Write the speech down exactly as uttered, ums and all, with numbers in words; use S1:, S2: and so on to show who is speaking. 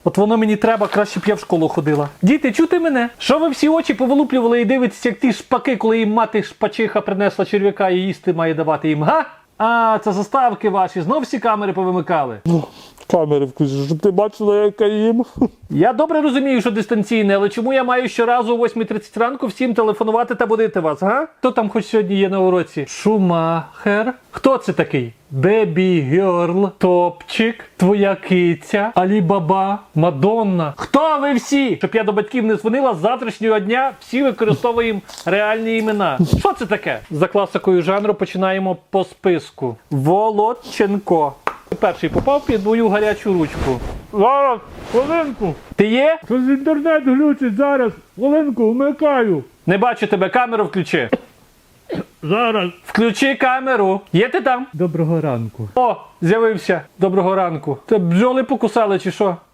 S1: От воно мені треба, краще б я в школу ходила. Діти, чути мене? Що ви всі очі повилуплювали і дивитеся, як ті шпаки, коли їм мати шпачиха принесла черв'яка і їсти має давати їм, га? А, це заставки ваші, знов всі камери повимикали.
S2: Камери включиш, щоб ти бачила, як я їм.
S1: Я добре розумію, що дистанційне, але чому я маю щоразу о восьмій тридцять ранку всім телефонувати та будити вас, га? Хто там хоч сьогодні є на уроці? Шумахер? Хто це такий? Бебі Герл, Топчик, твоя киця, Алібаба, Мадонна. Хто ви всі? Щоб я до батьків не дзвонила, з завтрашнього дня всі використовуємо реальні імена. Що це таке? За класикою жанру починаємо по списку. Володченко. Перший попав під мою гарячу ручку.
S2: Зараз, хвилинку.
S1: Ти є?
S2: Щось інтернет глючить зараз. Хвилинку, вмикаю.
S1: Не бачу тебе, камеру включи.
S2: Зараз.
S1: Включи камеру. Є ти там?
S2: Доброго ранку.
S1: О, з'явився. Доброго ранку. Це бджоли покусали чи що?